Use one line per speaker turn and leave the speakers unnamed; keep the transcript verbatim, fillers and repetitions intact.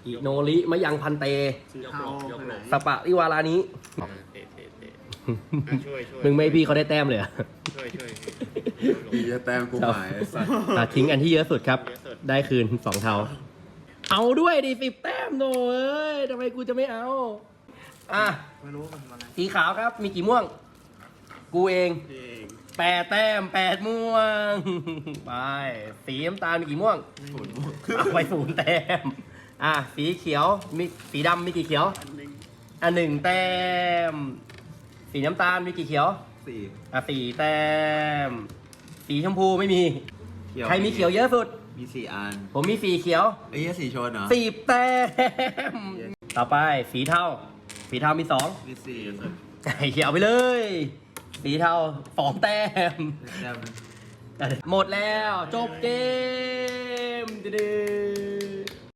อิโนริมะยังพันเต
ยกหลบยกหลบ
สปะริวารานี้
เตะเตะเตะอ่ะช่วยช่วย
มึงไม่พี่เขาได้แต้มเลยเหรอ
ช่วยช่วย
พี่จะแต้มกูหมายไอ้สัตว์
อ่ะทิ้งอันที่เยอะสุดครับ
เยอะสุด
ได้คืนสองเทาเอาด้วยดิสิบแต้มโนเอ้ยทำไมกูจะไม่เอา อ่ะ
ไม่รู้มันอะไร
สีขาวครับ มีกี่ม่วง กูเอง
เอง
แปดแต้มแปดม่วง ไป สีน้ำตาลมีกี่ม่วง
ศูนย์ม่วง
เอาไปศูนย์แต้ม อ่ะ สีเขียว มีสีดำมีกี่เขียว
อันหนึ่ง
อ่ะหนึ่งแต้ม สีน้ำตาลมีกี่เขียว
สี่
อ่ะสี่แต้ม สีชมพูไม่มี
เขียว
ใครมีเขียวเยอะสุด
มีสี่อัน
ผมมีสีเขียว
ไอ้เหี้ยสี่ชนเหรอ
สิบแต้ม ต่อไปสีเทา สีเทามีสอง
มีสี่
ไอ้เขียวไปเลย สีเทาสองแต้ม
แต้ม
หมดแล้ว จบเกมดื้อ